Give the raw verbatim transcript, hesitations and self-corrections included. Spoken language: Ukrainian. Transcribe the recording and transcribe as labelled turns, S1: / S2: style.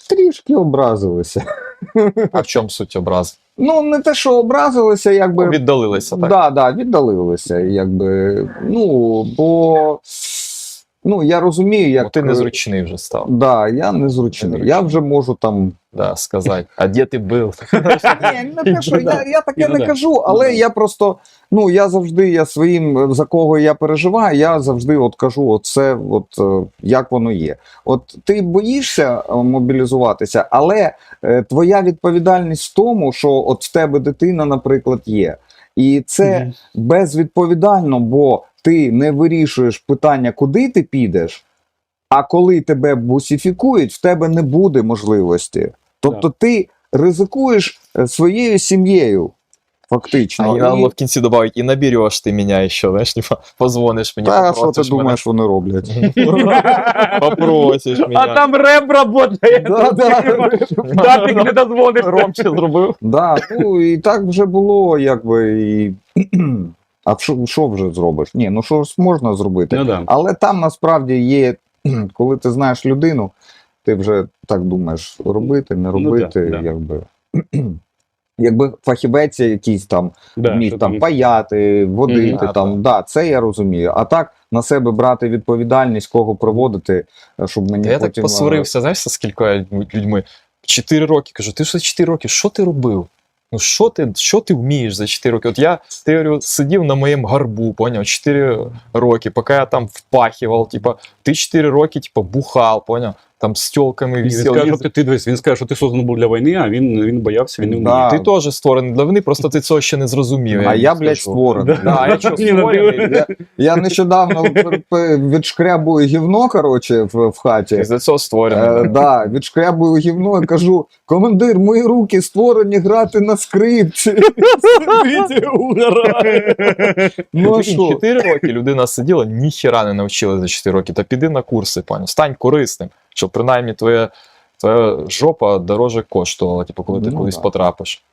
S1: трішки образилися.
S2: А в чому суть образ?
S1: Ну, не те, що образилися, якби...
S2: Віддалилися, так?
S1: Да, да, віддалилися, якби, ну, бо, ну, я розумію, як...
S2: Бо ти незручний вже став.
S1: Да, я незручний.
S2: Незручний.
S1: Я вже можу там...
S2: Да, сказати, а де ти був?
S1: Ні, не те, що я, я таке
S3: Ну,
S1: не
S3: да.
S1: кажу, але
S3: Ну, да.
S1: я просто, ну, я завжди, я своїм, за кого я переживаю, я завжди от кажу, от це, от, е, як воно є. От ти боїшся е, мобілізуватися, але е, твоя відповідальність в тому, що от в тебе дитина, наприклад, є. І це
S3: Мгм.
S1: безвідповідально, бо ти не вирішуєш питання, куди ти підеш, а коли тебе бусифікують, в тебе не буде можливості. Тобто ти ризикуєш е, своєю сім'єю, фактично.
S2: А я надо в кінці добавити, і набереш ти мене ще, знаєш, типа, позвониш мені,
S1: Та що ти
S2: попросиш
S1: думаєш, вони роблять?
S2: мене. Попросиш мене.
S3: А там реп работає.
S1: Да, да.
S3: Да, ти не дозвониш.
S2: Ромче зробив.
S1: Да, ну і так вже було, якби. І... А що, що вже зробиш? Ні, ну що ж можна зробити?
S3: Ну, да.
S1: Але там насправді є, коли ти знаєш людину, ти вже так думаєш, робити, не
S3: Ну, да,
S1: робити,
S3: да.
S1: якби. Якби фахівець якийсь там
S3: Да,
S1: вмів
S3: що
S1: там паяти, водити,
S2: Мгм.
S1: там, да, це я розумію. А так на себе брати відповідальність, кого проводити, щоб мені
S2: Я так
S1: потім...
S2: посварився, знаєш, з скількома людьми. Чотири роки. Кажу, ти ж за чотири роки, що ти робив? Ну що ти, що ти вмієш за чотири роки? От я, ти говорю, сидів на моєму гарбу, поняв, чотири роки, поки я там впахивав, типа, ти чотири роки, типа, бухав, поняв, там з тілками
S3: Він
S2: висів.
S3: скаже, що ти, ти дивись, він скаже, що ти созданий був для війни, а він, він боявся, він не вміє.
S1: Да.
S2: Ти теж створений для війни, просто ти цього ще не зрозумів.
S1: А
S2: їм
S1: я,
S2: скажу.
S1: блядь, створений.
S2: Да, а я що,
S3: Ні, ну,
S2: створений?
S1: Я, я нещодавно пер- пер- відшкрябую гівно, коротше, в, в хаті.
S2: Ти за цього
S1: Е,
S2: створений.
S1: да, відшкрябую гівно і кажу: командир, мої руки створені грати на скрипці.
S3: Дивіться, угорає.
S1: Ну а
S2: Прикинь,
S1: що?
S2: чотири роки людина сиділа, ніхіра не навчила за чотири роки. Та піди на курси, пані, стань корисним, щоб принаймні твоя, твоя жопа дороже коштувала, типу, коли ти
S1: Ну,
S2: кудись
S1: да.
S2: потрапиш.